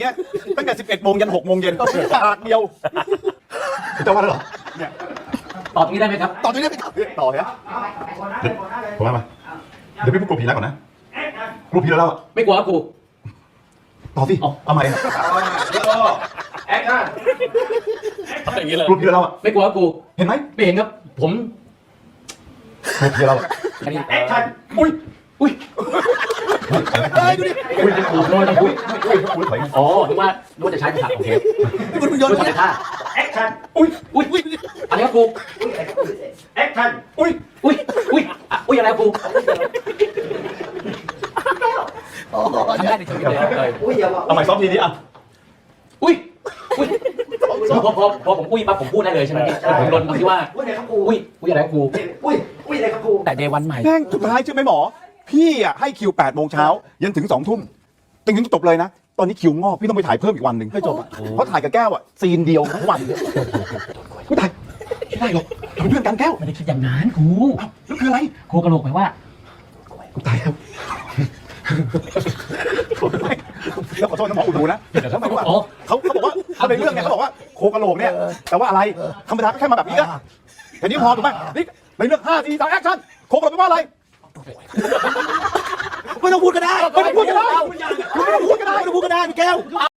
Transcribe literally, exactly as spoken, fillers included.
เนี่ยตั้งแต่สิบเอ็ดโมงยันหกโมงเย็นฉากเดียวจะว่าหรอเนี่ยตอบตรงนี้ได้ไหมครับต่อจากนี้ไปต่อเนี่ยผมว่ามาเดี๋ยวพี่พูดกลัวผีแล้วก่อนนะกลัวผีแล้วเราไม่กลัวครับครูต่อสิเอาใหม่แอคชั่นอย่างนี้เลยกลัวผีแล้วเราไม่กลัวครับครูเห็นไหมไม่เห็นครับผมกลัวผีเราอันนี้แอคชั่นอุ้ยอุ้ยเฮ้ยดูดิอุ้ยเป็นครูโน้ตอุ้ยอุ้ยอุ้ยถอยอ๋อนึกว่านึกว่าจะใช้ภาษาโอเคคุณมึงโยนนึกว่าเนี่ยจะท่าแอคชั่นอุ้ยอุ้ยอุ้ยอะไรครับครูแอคชั่นอุ้ยอุ้ยอุ้ยอ่ะอุ้ยอะไรครับครูทำได้ในชีวิตเลยเลยอุ้ยอย่าบอกเอาใหม่ซ้อมทีนี้อ่ะอุ้ยอุ้ยพอพอพอผมอุ้ยปั๊บผมพูดได้เลยใช่ไหมพี่ผมลนที่ว่าอุ้ยอะไรครับครูอุ้ยอุ้ยอะไรครับครูอุ้ยอุ้ยอะไรครับครูแต่เดวันใหม่แม่งสุดท้ายใช่ไหมหมอพี่อ่ะให้คิวแปดโมงเช้ายันถึงสองทุ่มจนถึงจบเลยนะตอนนี้คิวงอกพี่ต้องไปถ่ายเพิ่มอีกวันหนึ่งให้จบอ่ะเพราะถ่ายกับแก้วอ่ะซีนเดียวทั้งวันไม่ถ่ายไม่ได้หรอกเราเป็นเพื่อนกันแก้วไม่ได้คิดอย่างนั้นครูแล้วคืออะไรครูกระโหลกแปลว่ากูตายแล้วแล้วขอโทษน้องหมออุดหูนะทำไมว่าเขาเขาบอกว่าเขาในเรื่องเนี่ยเขาบอกว่าโคกระโหลกเนี่ยแต่ว่าอะไรธรรมดาก็แค่มาแบบนี้ก็แต่นี่พอถูกไหมนี่ในเรื่องห้าสี่สามแอคชั่นโคกระโหลกแปลว่าอะไรไม่ต้องพูดก็ได้ไม่ต้องพูดก็ได้ไม่ต้องพูดก็ได้ไม่ต้องพูดก็ได้พี่แก้ว